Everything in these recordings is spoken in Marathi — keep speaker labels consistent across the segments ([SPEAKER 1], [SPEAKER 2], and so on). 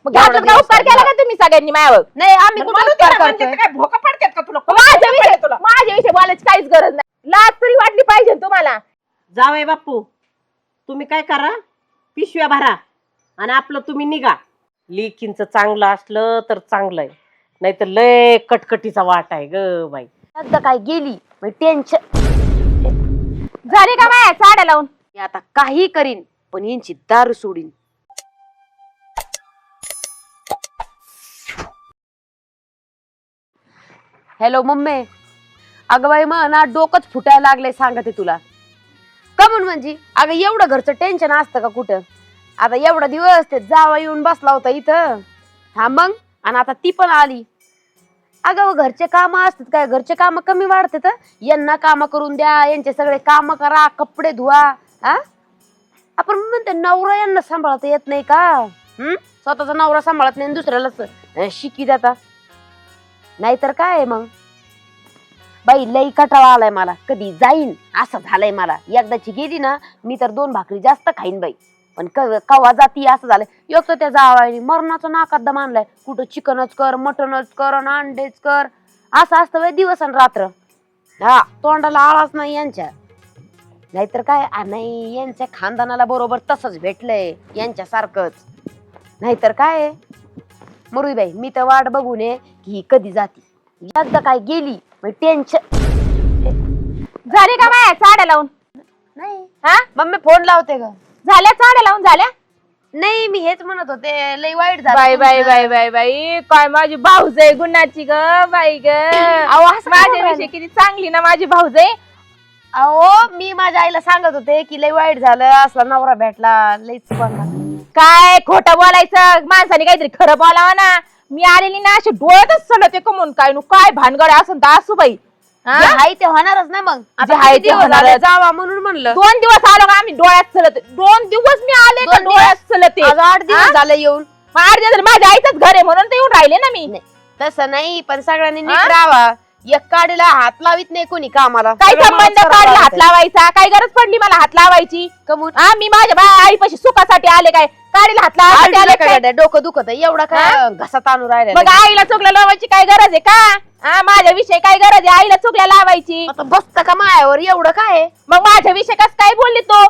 [SPEAKER 1] मग घातलं का उपकार केला का तुम्ही सगळ्यांनी माझ्यावर?
[SPEAKER 2] नाही आम्ही कुठे उपकार करतोय?
[SPEAKER 3] काय भोका पडतात का तुला?
[SPEAKER 1] माझ्याविषयी बोलायची काहीच गरज नाही. लाज तरी वाटली पाहिजे तुम्हाला.
[SPEAKER 3] जावई बापू तुम्ही काय करा, पिशव्या भरा आणि आपलं तुम्ही निघा. लेकींचं चांगलं असलं तर चांगलं आहे, नाहीतर लय कटकटीचा वाट आहे ग बाई.
[SPEAKER 2] एकदा काय गेली टेन्शन
[SPEAKER 1] झाले का माया साड्या लावून?
[SPEAKER 2] आता काही करीन पण यांची दारू सोडीन. Hello mummy. अगं बाई मग ना डोकंच फुटायला लागलंय सांगते तुला. का म्हणून म्हणजे अगं एवढं घरचं टेन्शन असतं का कुठं? आता एवढा दिवस ते जावा येऊन बसला होता इथं. हा मग आणि आता ती पण आली. अगं घरचे काम असतात काय? घरचे काम कमी वाढतात? यांना काम करून द्या, यांचे सगळे काम करा, कपडे धुवा. हा आपण म्हणते नवरा यांना सांभाळता येत नाही का? स्वतःचा नवरा सांभाळत नाही दुसऱ्याला शिकी जाता. नाहीतर काय मग बाई लई कटाळा आलाय मला. कधी जाईन असं झालंय मला. एकदाची गेली ना मी तर 2 भाकरी जास्त खाईन बाई. पण कवा जाती असं झालंय. एक तर त्या जावायनी मरणाचा नाकात दम आणलाय. कुठं चिकनच कर, मटनच कर, अंडेच कर, असं असतं बाई दिवस आणि रात्र. हा तोंडाला आळाच नाही यांच्या. नाहीतर काय नाही यांच्या खानदानाला बरोबर तसंच भेटलंय यांच्या सारखंच. नाहीतर काय मरुई बाई मी तर वाट बघून ये की कधी जाती. एकदा काय गेली टेन्शन.
[SPEAKER 1] झाले का माया साड्या लावून?
[SPEAKER 2] नाही
[SPEAKER 1] हा
[SPEAKER 2] मम्मी फोन लावते का?
[SPEAKER 1] झाल्या साड्या लावून झाल्या?
[SPEAKER 2] नाही मी हेच म्हणत होते लई वाईट झालं.
[SPEAKER 1] बाई बाई बाई बाई बाई काय माझी भाऊजाई गुणाची ग बाई ग. माझ्याविषयी किती चांगली ना माझी भाऊजाई.
[SPEAKER 2] अहो मी माझ्या आईला सांगत होते की लई वाईट झालं, असला नवरा भेटला लईच चुकला.
[SPEAKER 1] काय खोटं बोलायचं? माणसाने काहीतरी खरं बोलावं ना. मी आलेली ना अशी डोळ्यातच सलते कमून काय काय भानगड असं तर असू बाई.
[SPEAKER 2] हाय ते होणारच ना. मग
[SPEAKER 1] जे हाय ते होणारच.
[SPEAKER 2] जावा म्हणून म्हणलं.
[SPEAKER 1] 2 दिवस आलो का आम्ही डोळ्यात चलत. 2 दिवस मी आले का डोळ्यात चलते.
[SPEAKER 2] 8 दिवस झाले येऊन.
[SPEAKER 1] 8 दिवस माझ्या आईचंच घर आहे म्हणून तर येऊन राहिले ना मी.
[SPEAKER 2] तसं नाही पण सगळ्यांनी नीट राहावा. एक काडीला हात लावित नाही कोणी कामाला.
[SPEAKER 1] काय संबंध काढला हात लावायचा? काय गरज पडली मला हात लावायची?
[SPEAKER 2] कमून
[SPEAKER 1] मी माझ्या आईपाशी सुखासाठी आले काय? काढीला हात लावायचे आले काय?
[SPEAKER 2] डोकं दुखत एवढा काय घसा ताणू राहिला.
[SPEAKER 1] मग आईला चुकल्या लावायची काय गरज आहे का? माझ्याविषयी काय गरज आहे आईला चुकल्या लावायची?
[SPEAKER 2] बसत का मायावर एवढं काय?
[SPEAKER 1] मग माझ्याविषयी कस काय बोलली तो?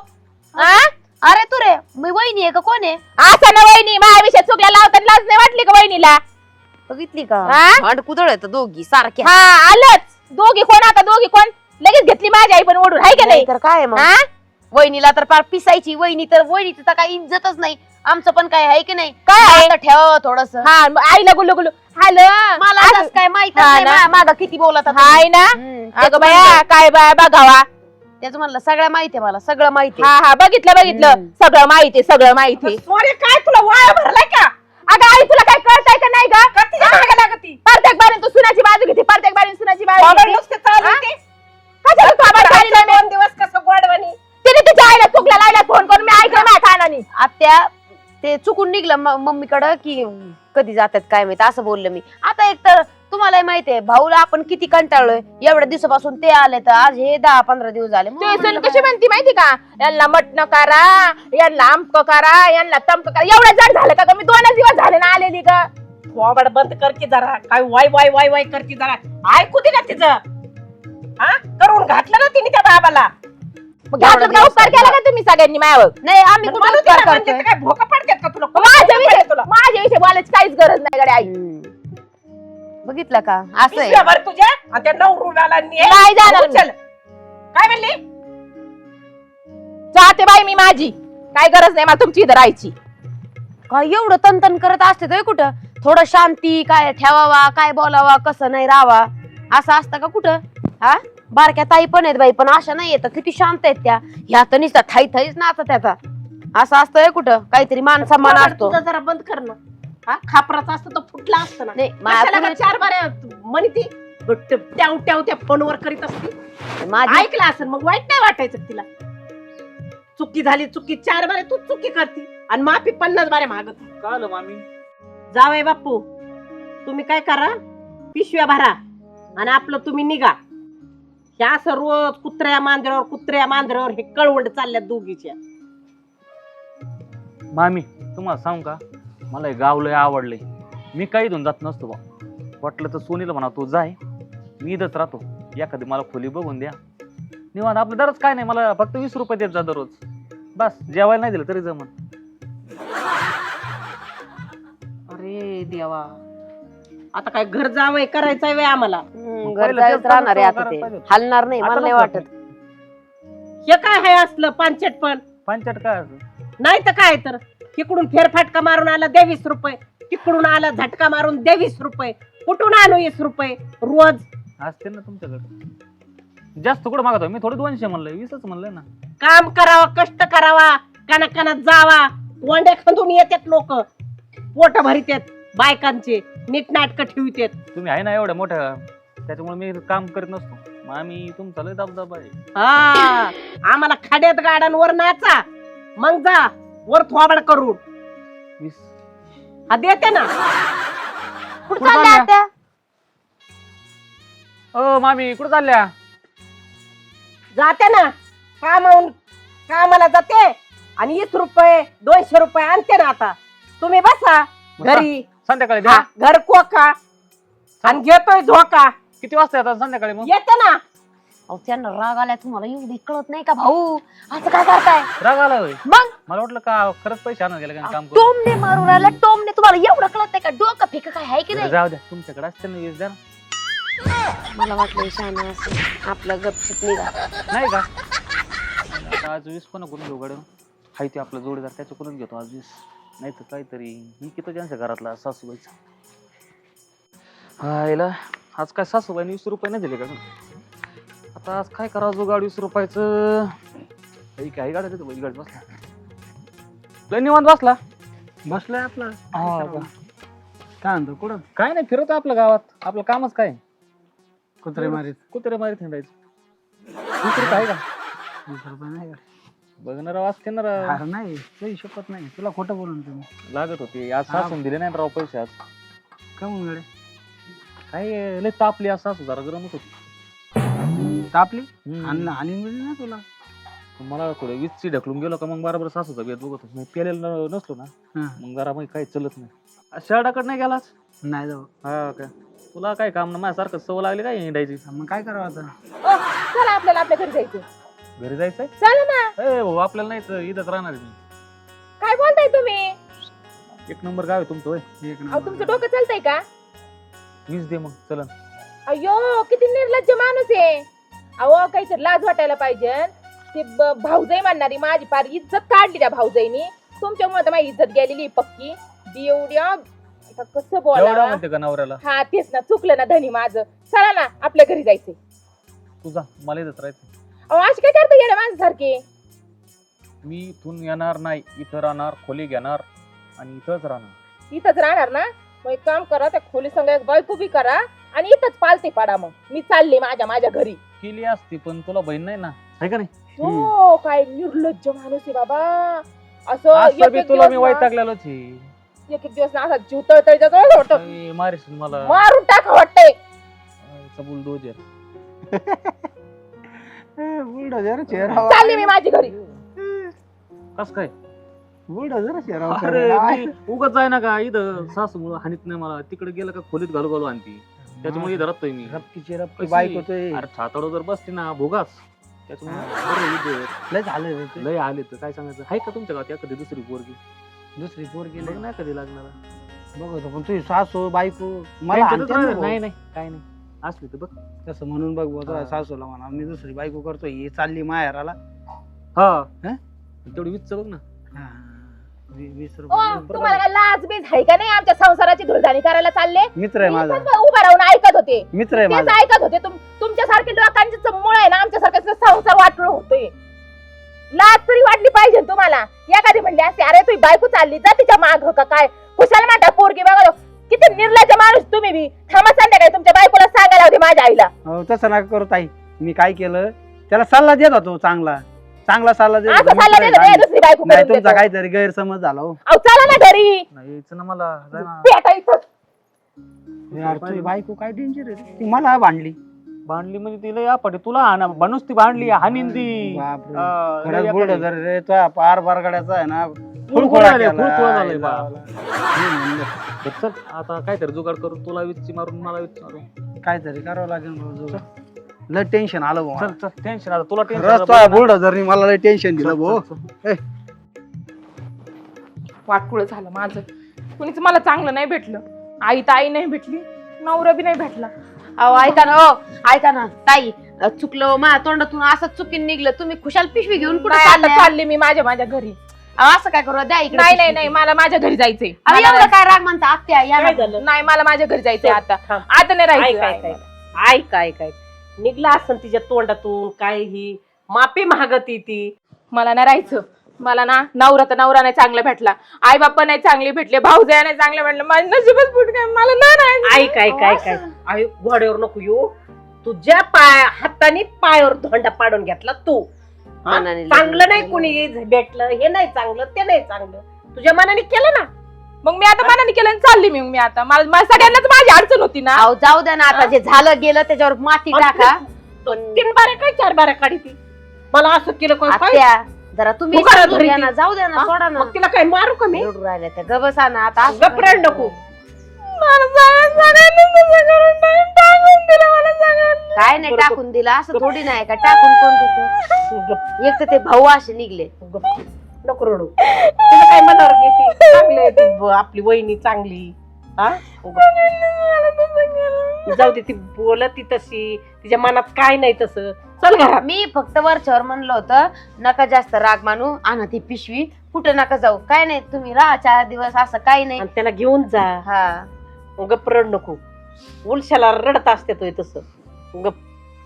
[SPEAKER 2] अरे तू रे मी वहिनी आहे का कोण आहे?
[SPEAKER 1] असं ना वहिनी माझ्याविषयी चुकल्या लावताना लाज नाही वाटली का वहिनीला?
[SPEAKER 2] बघितली का कुदळ येत दोघी सारख्या.
[SPEAKER 1] हा आलंच. दोघी कोण आता दोघी कोण? लगेच घेतली माझी आई पण ओढून हाय का नाही?
[SPEAKER 2] तर काय मग वहिनीला तर फार पिसायची. वहिनीची तर काही इज्जतच नाही. आमचं पण काय आहे की नाही?
[SPEAKER 1] काय
[SPEAKER 2] ठेव थोडस.
[SPEAKER 1] हा आईला गुल्लू गुल्लू हॅलो
[SPEAKER 2] मला काय माहित माग किती बोलत
[SPEAKER 1] हाय ना. अगं बाया काय बाया बघावा.
[SPEAKER 2] त्याच म्हणलं सगळं माहितीये मला. सगळं माहिती.
[SPEAKER 1] हा हा बघितलं बघितलं. सगळं माहिती सगळं माहिती.
[SPEAKER 3] काय तुला वाया भरलाय का?
[SPEAKER 1] अगं आई तुला काय कळतंय का नाही ग? प्रत्येक बारीन तू सुनाची बाजू घेते. प्रत्येक बारीन सुनाची बाजू घेते. कशाला तू आवाज काढली नाही?
[SPEAKER 3] 2 दिवस कसं गोडवणी.
[SPEAKER 1] तिने तिच्या आईला चुकल्या लायला फोन करून मी ऐकलं माझ्या कानाने.
[SPEAKER 2] आत्या ते चुकून निघलं मम्मीकडं की कधी जातात काय माहिती असं बोललं मी. आता एक तर तुम्हाला माहितीये भाऊला आपण किती कंटाळलोय. एवढ्या दिवसापासून ते आले तर आज हे 10-15 दिवस झाले.
[SPEAKER 1] कशी म्हणती माहिती का? यांना मटण करा, यांना आमक करा, यांना तमक करा. एवढं जड झालं का? मी 2 दिवस झाले ना आलेली का?
[SPEAKER 3] थोबड बंद कर की जरा. काय वाय वाय वाय वाय करती जरा. ऐकू दे ना तिचं. करून घातलं ना तिने त्या बाबाला.
[SPEAKER 1] घातलं का उपकार केला का तुम्ही सगळ्यांनी माझ्यावर?
[SPEAKER 2] नाही आम्ही कुठे उपकार करतोय?
[SPEAKER 3] काय भोका पडतात का तुला?
[SPEAKER 1] माझ्याविषयी बोलायची काहीच गरज नाही गड्या आई.
[SPEAKER 2] बघितलं का असं आहे.
[SPEAKER 3] तुझ्या आणि त्या नवरुला
[SPEAKER 1] नाही जाणार मी.
[SPEAKER 3] काय म्हणली?
[SPEAKER 1] जाते बाई मी माझी. काय गरज नाही मला तुमची इथं राहायची.
[SPEAKER 2] काय एवढं तनतन करत असते तो कुठं? थोडं शांती काय ठेवावा, काय बोलावा, कसं नाही राहावा असं असतं का कुठं? हा बारक्या ताई पण आहेत बाई पण अशा नाही येत. किती शांत आहेत त्या. ह्या तर नुसता थाई थाईच नाचत त्याचा. असं असतंय कुठं? काहीतरी मान सन्मान असतो.
[SPEAKER 3] जरा बंद कर ना. खापराचा असतं तो फुटला असतं ना.
[SPEAKER 2] नाही
[SPEAKER 3] 4 बाऱ्या म्हणती ट्याव ट्याव त्या फोनवर करीत असती. ऐकलं असेल मग वाईट नाही वाटायचं तिला. चुकी झाली चुकी 4 बारे तू चुकी करती आणि माफी 50 बारे मागत.
[SPEAKER 4] कळलं मामी.
[SPEAKER 3] जावई बापू तुम्ही काय करा, पिशव्या भरा आणि आपलं तुम्ही निघा. ह्या असं रोज कुत्र्या मांजरावर हे कळवंड चालल्यात दोघीच्या.
[SPEAKER 4] मामी तुम्हाला सांगू का, मला हे गाव लय आवडलंय. मी काही इथून जात नसतो बा. वाटलं तर सोनीला म्हणा तू जाय, मी इथंच राहतो. एखादी मला खोली बघून द्या निवांत. आपलं दररोज काय नाही, मला फक्त 20 रुपये देत जा दररोज. बस जेवायला नाही दिलं तरी जमन.
[SPEAKER 3] अरे देवा, आता काय घर जावंय करायचंय वे आम्हाला.
[SPEAKER 2] घर
[SPEAKER 4] पहिलं
[SPEAKER 2] जायच
[SPEAKER 4] तेच
[SPEAKER 2] राहणार आहे
[SPEAKER 4] करायला
[SPEAKER 2] आता ते.
[SPEAKER 4] पाहिजे.
[SPEAKER 2] हलणार नाही मला
[SPEAKER 4] आता
[SPEAKER 2] नाही
[SPEAKER 4] नको.
[SPEAKER 2] वाटत.
[SPEAKER 3] हे काय आहे असलं पांचट पण?
[SPEAKER 4] पंचायत काय असं?
[SPEAKER 3] नाही तर काय तर, तिकडून फेरफाटका मारून आला दे 20 रुपये, तिकडून आला झटका मारून दे 20 रुपये, कुठून आणू 20 रुपये रोज?
[SPEAKER 4] असते ना तुमच्याकडे. जास्त कुठं मागतो मी? थोडे 200 म्हणलंय, 20च म्हणलंय ना.
[SPEAKER 3] काम करावा, कष्ट करावा, कानात जावा. वंडे खंदून येतात लोक, पोट भरितात बायकांचे, नीटनाटक ठेवतात.
[SPEAKER 4] तुम्ही आहे ना एवढ्या मोठ्या, त्याच्यामुळे मी काम करत नसतो. मग आम्ही तुमचा लय दबदबा आहे.
[SPEAKER 3] हा, आम्हाला खाड्यात गाड्यांवर नाचा, मग जा वर थोबाड करून.
[SPEAKER 4] 20
[SPEAKER 3] हा देते ना.
[SPEAKER 2] कुठं चालल्या आत्या?
[SPEAKER 4] ओ मामी कुठं चालल्या?
[SPEAKER 3] जाते ना कामाला जाते आणि 20 रुपये 200 रुपये आणते ना. आता तुम्ही बसा घरी,
[SPEAKER 4] संध्याकाळी द्या.
[SPEAKER 3] हा, घर कोका आणि घेतोय झोका.
[SPEAKER 4] किती वाजता येतात संध्याकाळी मग?
[SPEAKER 3] येते ना.
[SPEAKER 2] अहो त्यांना राग आलाय तुम्हाला एवढी कळत नाही का भाऊ? असं काय करताय?
[SPEAKER 4] राग आला होय?
[SPEAKER 2] मग
[SPEAKER 4] मला वाटलं का खरंच पैसे आणून गेले का काम करून.
[SPEAKER 2] टोमने मारून राहिला, टोमने. तुम्हाला एवढं कळत नाही का? डोकं फेक काय आहे की
[SPEAKER 4] बरं,
[SPEAKER 2] नाही?
[SPEAKER 4] जाऊ द्या, तुमच्याकडे असते ना 20 द्या ना.
[SPEAKER 2] मला वाटलं शाना असं आपलं गपचिप निघा.
[SPEAKER 4] नाही का? आता आज 20 पण करून घेऊ गाडी. हाय ते आपला जोडीदार, त्याच्याकडून घेतो आज 20. नाही तर काहीतरी ही किती त्यांच्या घरातला सासूबाईचा. हायला आज काय सासूबाईने 20 रुपये नाही दिले का? आता आज काय करावं जो गाडी 20 रुपयाचं. काही गाड्या देतो बैल गाडी बसला. लय निवांत बसला.
[SPEAKER 5] बसलाय आपला.
[SPEAKER 4] हा का?
[SPEAKER 5] काय म्हणतो कुठं?
[SPEAKER 4] काय नाही, फिरतो आपल्या गावात. आपलं कामच काय?
[SPEAKER 5] कुत्रे मारीत.
[SPEAKER 4] कुत्रे मारीत हिंडायचं. दुसरं काय का?
[SPEAKER 5] 20 रुपये नाही का?
[SPEAKER 4] बघणार असते ना राव.
[SPEAKER 5] अरे नाही, काही शपथ नाही. तुला खोटं बोलून तुम्ही
[SPEAKER 4] लागत होते आज सासून दिले नाही राव पैसे आज.
[SPEAKER 5] का म्हणून गडे?
[SPEAKER 4] काय लय तापली आज सासू, जरा गरमच होती.
[SPEAKER 5] तापली
[SPEAKER 4] हम्म.
[SPEAKER 5] आणि मिळली ना तुला.
[SPEAKER 4] मला थोडं 20ची ढकलून गेलो का मग बरोबर सासूचा बेत बघत होतो. मग पेलेलं नसलो ना
[SPEAKER 5] हा.
[SPEAKER 4] मग जरा मग काही चलत नाही. शर्टाकडे नाही गेलाच?
[SPEAKER 5] नाही जाऊ.
[SPEAKER 4] हा काय? तुला काय काम ना माझ्यासारखं सवय लागली काय हिंडायची?
[SPEAKER 5] मग काय करावं आता?
[SPEAKER 1] ओ, चला आपल्याला आपल्या घरी जायचं.
[SPEAKER 4] घरी जायचंय?
[SPEAKER 1] चला ना.
[SPEAKER 4] ए भाऊ आपल्याला नाही तर इथंच राहणार आहे मी.
[SPEAKER 1] काय बोलताय तुम्ही?
[SPEAKER 4] एक नंबर गाव आहे तुमचं होय.
[SPEAKER 5] एक
[SPEAKER 1] अहो
[SPEAKER 5] नंबर.
[SPEAKER 1] तुमचं डोकं चालतंय का?
[SPEAKER 4] 20 दे मग चलन.
[SPEAKER 1] अयो किती निर्लज्ज माणूस आहे. अहो काहीतरी लाज वाटायला पाहिजे. ते भाऊजाई म्हणणारी माझी फार इज्जत काढली त्या भाऊजाईनी. तुमच्यामुळे तर माझी इज्जत गेलेली पक्की. एवढ्या आता कसं
[SPEAKER 4] एवढा
[SPEAKER 1] बोलावं?
[SPEAKER 4] म्हणते का नवऱ्याला?
[SPEAKER 1] हा तेच ना, चुकलं ना धनी माझं. चला ना आपल्या घरी जायचंय.
[SPEAKER 4] तुझा मला इथंच राहायचं.
[SPEAKER 1] अहो अशी काय करता येण्या माणसासारखे?
[SPEAKER 4] मी इथून येणार नाही, इथं राहणार, खोली घेणार आणि इथंच राहणार.
[SPEAKER 1] इथंच राहणार ना? मग एक काम करा, त्या खोली संग एक बायको बी करा आणि इथंच पालते पाडा. मग मी चालले माझ्या घरी.
[SPEAKER 4] केली असती पण तुला बहीण नाही ना, आहे का नाही?
[SPEAKER 1] हो काय निर्लज्ज माणूस आहे बाबा. असं
[SPEAKER 4] असं बी
[SPEAKER 1] एक-एक
[SPEAKER 4] तुला मी
[SPEAKER 1] दिवस ना-
[SPEAKER 4] वैतागलेलोच आहे.
[SPEAKER 1] एक दिवस ना असा जीव तळतळीचा जवळ होतो.
[SPEAKER 4] अरे, मारीस मला.
[SPEAKER 1] मारून टाका वाटतंय.
[SPEAKER 4] बुलडोजर.
[SPEAKER 5] बुलडोझर चेहरा.
[SPEAKER 1] चालली मी माझी घरी.
[SPEAKER 4] कस काय?
[SPEAKER 5] बुलडोझर चेहरा.
[SPEAKER 4] अरे उगाच आहे ना का इथं सासू मुळे हानीत नाही मला. तिकडे गेलं का खोलीत घालू आणती. त्याच्यामुळे इथं राहतोय मी.
[SPEAKER 5] रपकीची रपकी
[SPEAKER 4] कशी?
[SPEAKER 5] बाईक होतोय.
[SPEAKER 4] अरे छाताडो जर बसते ना भोगाच. त्याच्यामुळे बरं इथं
[SPEAKER 5] लय झालं रे ते.
[SPEAKER 4] लय आले तर काय सांगायचं. आहे का तुमच्या गावात एखादी दुसरी पोरगी?
[SPEAKER 5] दुसरी पोरगी
[SPEAKER 4] बघ नाही कधी लागणार.
[SPEAKER 5] बघतो पण तुझी सासू बायको मला
[SPEAKER 4] त्यांच्यातच
[SPEAKER 5] आणते ना
[SPEAKER 4] राहणार.
[SPEAKER 5] भाऊ.
[SPEAKER 4] नाही नाही काय नाही असली तर बघ.
[SPEAKER 5] तसं म्हणून बघ बुवा, तुझ्या
[SPEAKER 4] हा.
[SPEAKER 5] सासूला म्हणा मी दुसरी बायको करतोय, ही चालली माहेराला.
[SPEAKER 4] हा
[SPEAKER 5] हं?
[SPEAKER 4] तेवढी वीस बघ ना.
[SPEAKER 5] 20
[SPEAKER 1] ओ
[SPEAKER 5] रुपये
[SPEAKER 1] तुम्हाला काय लाज बीज आहे का नाही? आमच्या संसाराची धुळधाणी करायला चालले.
[SPEAKER 5] मित्र आहे
[SPEAKER 1] मी
[SPEAKER 5] माझा.
[SPEAKER 1] इथंच उभा राहून ऐकत होते.
[SPEAKER 5] मित्र आहे
[SPEAKER 1] तेच
[SPEAKER 5] माझा.
[SPEAKER 1] ऐकत होते. तुमच्यासारखे लोकांचे मुळे आहे ना आमच्यासारखं संसार वाटलं होतोय. लाज तरी वाटली पाहिजे ना तुम्हाला. एखादी म्हणली असते अरे तुझी बायको चालली जा तिच्या माग का काय? कुशाला म्हणता पोरगी बघा. किती निर्लज्ज माणूस तुम्ही बी. थांबा संध्याकाळी तुमच्या बायकोला सांगायला होते माझ्या आईला.
[SPEAKER 5] हो तसं नका करू ताई. मी काय केलं त्याला सल्ला देत होतो. चांगला सल्ला देत
[SPEAKER 1] असं
[SPEAKER 5] होतो.
[SPEAKER 1] सल्ला
[SPEAKER 5] मित्र आहे
[SPEAKER 1] दिला
[SPEAKER 5] आम्ही.
[SPEAKER 1] दुसरी बायको
[SPEAKER 5] नाही
[SPEAKER 1] करून
[SPEAKER 5] तुमचा
[SPEAKER 1] देतो.
[SPEAKER 5] काहीतरी गैरसमज झाला हो.
[SPEAKER 1] अहो चला ना घरी.
[SPEAKER 4] नाही यायचं ना मला. जाय ना.
[SPEAKER 1] पेटा इथं.
[SPEAKER 5] यार तुझी बायको काय डेंजर आहे. ती मला भांडली.
[SPEAKER 4] भांडली म्हणजे तिला या पटे तुला हाना बनूस ती भांडली हानीन ती.
[SPEAKER 5] बापरे.
[SPEAKER 4] लय
[SPEAKER 5] खरंच
[SPEAKER 4] या
[SPEAKER 5] बुलडोझर रे तो पार बरगड्याचा आहे ना. खुळखुळा
[SPEAKER 4] झालंय,
[SPEAKER 5] केला.
[SPEAKER 4] खुळखुळा झालंय बा.
[SPEAKER 5] मी म्हणलं,
[SPEAKER 4] तर चल आता काहीतरी जुगाड करू, तुला विच्ची मारून मला विच्ची मारून.
[SPEAKER 5] काहीतरी करावं लागेल रोज. लय टेन्शन आलं भाऊ.
[SPEAKER 4] चल चल टेन्शन आता तुला
[SPEAKER 5] रस्ता बुलढाणा मला लय टेन्शन दिलं भाऊ.
[SPEAKER 1] वाटकुळ झालं माझं. कुणीच मला चांगलं नाही भेटलं. आई तर आई नाही भेटली, नवरा बी नाही भेटला.
[SPEAKER 2] अहो ऐका ना, हो ऐका ना ताई, चुकलं माझ्या तोंडातून असं चुकीन निघलं. तुम्ही खुशाल पिशवी घेऊन कुठे
[SPEAKER 1] नाही, आता
[SPEAKER 2] चालले?
[SPEAKER 1] चालली मी माझ्या घरी.
[SPEAKER 2] असं काय करू द्या इकडे
[SPEAKER 1] नाही नाही नाही, मला माझ्या घरी जायचंय.
[SPEAKER 2] अरे एवढं काय राग म्हणता आत्या या ना.
[SPEAKER 3] काय झालं
[SPEAKER 1] नाही, मला माझ्या घरी जायचंय आता.
[SPEAKER 3] थांब.
[SPEAKER 1] आता नाही
[SPEAKER 3] ऐक
[SPEAKER 1] राहायचं.
[SPEAKER 3] ऐक ऐक ऐक ऐक निघला असं तिच्या तोंडातून काय ही माफी मागती ती.
[SPEAKER 1] मला नाही राहायचं. मला ना नवरा नाही चांगला भेटला, आई बाप्पा नाही चांगले भेटले, भाऊजाया नाही चांगले भेटले, माझं नशीबच फुट काय. मला नाही राहायचं.
[SPEAKER 3] ऐक ऐक ऐक ऐक ऐक घोड्यावर नको येऊ. तुझ्या हाताने पायावर धोंडा पाडून घेतला तू. हा?
[SPEAKER 2] मनाने
[SPEAKER 3] चांगलं
[SPEAKER 2] लग्न
[SPEAKER 3] नाही
[SPEAKER 2] केलं.
[SPEAKER 3] कुणी भेटलं, हे नाही चांगलं ते नाही चांगलं, तुझ्या मनाने केलं ना.
[SPEAKER 1] मग मी आता मनाने केलं आणि चालली मी आता. मला सगळ्यांनाच माझी अडचण होती ना.
[SPEAKER 2] अहो जाऊ द्या ना, आता जे झालं गेलं त्याच्यावर माती टाका.
[SPEAKER 3] 3 बाऱ्या काय 4 बाऱ्या काढी ती. मला असं केलं काय
[SPEAKER 2] आत्या जरा तुम्ही
[SPEAKER 3] तू करा
[SPEAKER 2] समजून
[SPEAKER 3] घरी
[SPEAKER 2] घ्या
[SPEAKER 3] ती.
[SPEAKER 2] ना, जाऊ द्या ना,
[SPEAKER 3] हा?
[SPEAKER 2] सोडा ना.
[SPEAKER 3] मग तिला काय मारू का मी?
[SPEAKER 2] रडू राहिल्या त्या गबसा ना आता असं
[SPEAKER 3] गप्राड नको.
[SPEAKER 1] मला सगळ्यांनी तसं करून टाकून दिलं मला सगळ्यांनी.
[SPEAKER 2] काय नाही टाकून दिलं असं थोडी नाही का टाकून कोण देतं.
[SPEAKER 3] गप-
[SPEAKER 2] एक तर ते भाऊ असे निघले.
[SPEAKER 3] गप. नको रडू. तिला काय मनावर घेते? चांगली आहे ती, आपली वहिनी चांगली. हा गप. जाऊ दे, ती बोलत ती तशी, तिच्या मनात काय नाही तसं. चल घरात.
[SPEAKER 2] मी फक्त वरच्यावर म्हणलं होतं नका जास्त राग मानू, आणा ती पिशवी, कुठं नका जाऊ, काय नाही तुम्ही राहा 4 दिवस, असं काही नाही.
[SPEAKER 3] आणि त्याला घेऊन जा.
[SPEAKER 2] हा
[SPEAKER 3] गप रड नको. उलशाला रडत असते तो तसं. गप.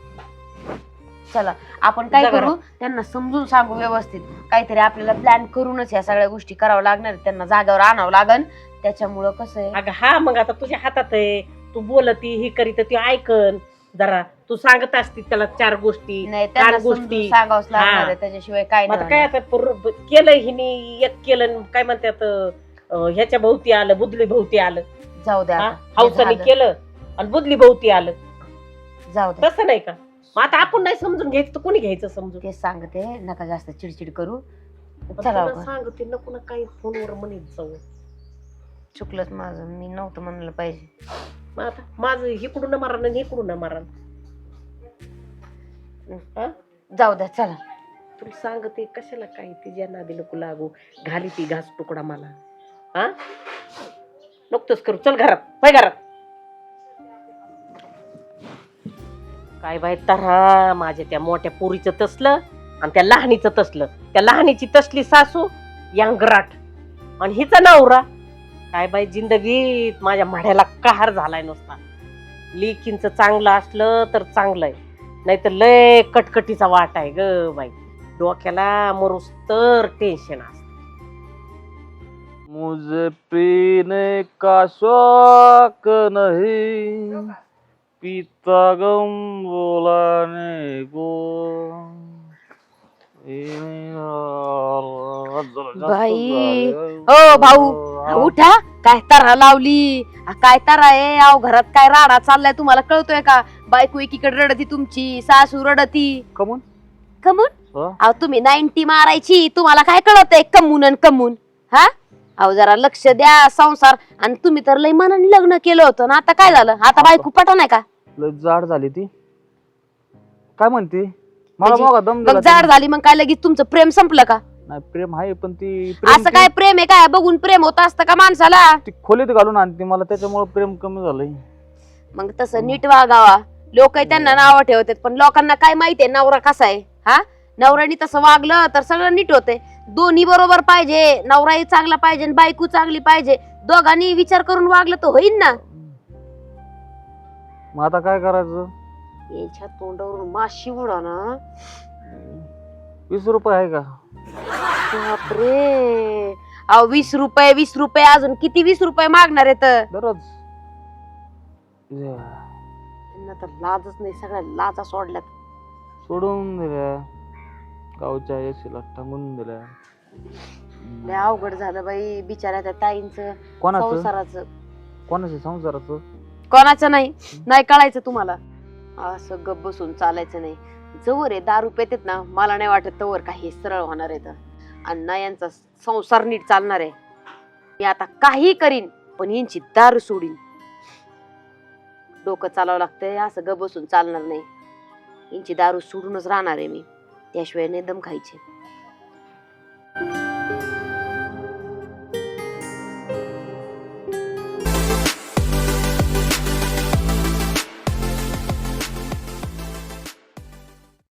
[SPEAKER 2] चला आपण काय
[SPEAKER 3] जा
[SPEAKER 2] करू,
[SPEAKER 3] घरात.
[SPEAKER 2] त्यांना समजून सांगू व्यवस्थित. काहीतरी आपल्याला प्लॅन करूनच या सगळ्या गोष्टी करावं लागणार आहेत. त्यांना जागेवर आणावं लागन. त्याच्यामुळं कसं आहे,
[SPEAKER 3] अगं हा, मग आता तुझ्या हातात आहे. तू बोलती ही करीत ती ऐकन जरा. तू सांगत असती त्याला 4 गोष्टी
[SPEAKER 2] नाही त्यांना
[SPEAKER 3] 4
[SPEAKER 2] समजून
[SPEAKER 3] गोष्टी.
[SPEAKER 2] सांगावंच लागणार
[SPEAKER 3] हा.
[SPEAKER 2] आहे, त्याच्याशिवाय काय
[SPEAKER 3] मग आता
[SPEAKER 2] नाही
[SPEAKER 3] काय
[SPEAKER 2] होणार.
[SPEAKER 3] आता केलं हिने एक केलं काय म्हणतात ह्याच्या भोवती आलं, बुदली भोवती आलं.
[SPEAKER 2] जाऊ द्या
[SPEAKER 3] हा?
[SPEAKER 2] आता. हे
[SPEAKER 3] हौसाने
[SPEAKER 2] झालं.
[SPEAKER 3] केलं आणि बुदली भोवती आलं.
[SPEAKER 2] जाऊ द्या,
[SPEAKER 3] तसं नाही का? मग आता आपण नाही समजून घ्यायचं तर कोणी घ्यायचं समजून?
[SPEAKER 2] तेच सांगते, नका जास्त चिडचिड करू.
[SPEAKER 3] पण
[SPEAKER 2] चला
[SPEAKER 3] तुला
[SPEAKER 2] बरं.
[SPEAKER 3] सांगते नको ना काही फोनवर म्हणत जाऊ.
[SPEAKER 2] चुकलंच माझं, मी नव्हतं म्हणलं पाहिजे.
[SPEAKER 3] मग आता माझं इकडून मारण आणि इकडून मारण.
[SPEAKER 2] जाऊ द्या चला.
[SPEAKER 3] तुला सांगते कशाला काही तिच्या नादी नको लागू. घाली ती घास तुकडा मला. हा नुकतंच करू. चल घरात, पाय घरात. काय बाई तरा माझ्या त्या मोठ्या पोरीचं तसलं आणि त्या लहानीचं तसलं. त्या लहानीची तसली सासू यांगराट आणि हिचा नवरा काय बाई जिंदगीत माझ्या माढ्याला कहर झालाय नुसता. लेकींचं चांगलं असलं तर चांगलंय, नाही तर लय कटकटीचा वाट आहे ग बाई. डोक्याला मरूस तर टेन्शन असत.
[SPEAKER 4] मुझे पीने का शौक नहीं, पीता गम बोलाने को.
[SPEAKER 2] बाई, ओ भाऊ, उठा. काय तारा लावली, काय तारा आहे अहो, घरात काय राडा चाललाय तुम्हाला कळतोय का? बायको एकीकडे रडती तुमची, सासू रडती.
[SPEAKER 4] कमून
[SPEAKER 2] कमून
[SPEAKER 4] हो?
[SPEAKER 2] अहो तुम्ही 90 मारायची, तुम्हाला काय कळतंय कमून आणि कमून? हा अहो जरा लक्ष द्या संसार. आणि तुम्ही तर लय मनाने लग्न केलं होतं ना, आता काय झालं? आता बायको पटा नाही का?
[SPEAKER 4] लय जाड झाली ती. काय म्हणते? मला
[SPEAKER 2] म्हणजे
[SPEAKER 4] बघा दम
[SPEAKER 2] मग
[SPEAKER 4] दिला
[SPEAKER 2] जाड
[SPEAKER 4] तिने.
[SPEAKER 2] झाली मग काय लगेच तुमचं प्रेम संपलं का?
[SPEAKER 4] नाही प्रेम आहे पण ती
[SPEAKER 2] असं काय प्रेम आहे काय? बघून प्रेम होत असतं का माणसाला?
[SPEAKER 4] ती खोलीत घालून आणते मला, त्याच्यामुळे प्रेम कमी झालंय.
[SPEAKER 2] मग तसं नीट वागावा. लोक त्यांना नाव ठेवतात, पण लोकांना काय माहितीये नवरा कसा आहे? हा नवऱ्याने तसं वागलं तर सगळं नीट होते. दोन्ही बरोबर पाहिजे, नवराही चांगला पाहिजे आणि बायको चांगली पाहिजे. दोघांनी विचार करून वागलं तर होईल ना.
[SPEAKER 4] मग आता काय करायचं?
[SPEAKER 2] याच्या तोंडावरून माशी उडा ना.
[SPEAKER 4] 20 रुपये आहे का?
[SPEAKER 2] बापरे, अहो 20 रुपये 20 रुपये, अजून किती 20 रुपये मागणार आहेत?
[SPEAKER 4] दररोज
[SPEAKER 2] त्यांना तर लाजच नाही, सगळ्या लाजा सोडल्यात.
[SPEAKER 4] सोडून दिल्या, गावच्या एसीला टांगून दिल्या.
[SPEAKER 2] लय अवघड झालं बाई बिचाऱ्या त्या ताईंचं
[SPEAKER 4] कोणाचं
[SPEAKER 2] संसाराचं.
[SPEAKER 4] कोणाचं संसाराचं?
[SPEAKER 2] कोणाचं नाही, नाही कळायचं तुम्हाला. असं गप बसून चालायचं नाही. जवळ आहे दारू पेतेत ना, मला नाही वाटत तवर काही सरळ होणार आहे. आणि ना यांचा संसार नीट चालणार आहे. मी आता काही करीन पण यांची दारू सोडीन. डोकं चालावं लागतंय, असं ग बसून चालणार नाही. यांची दारू सोडूनच राहणार आहे मी, त्याशिवाय नाही दम खायचे.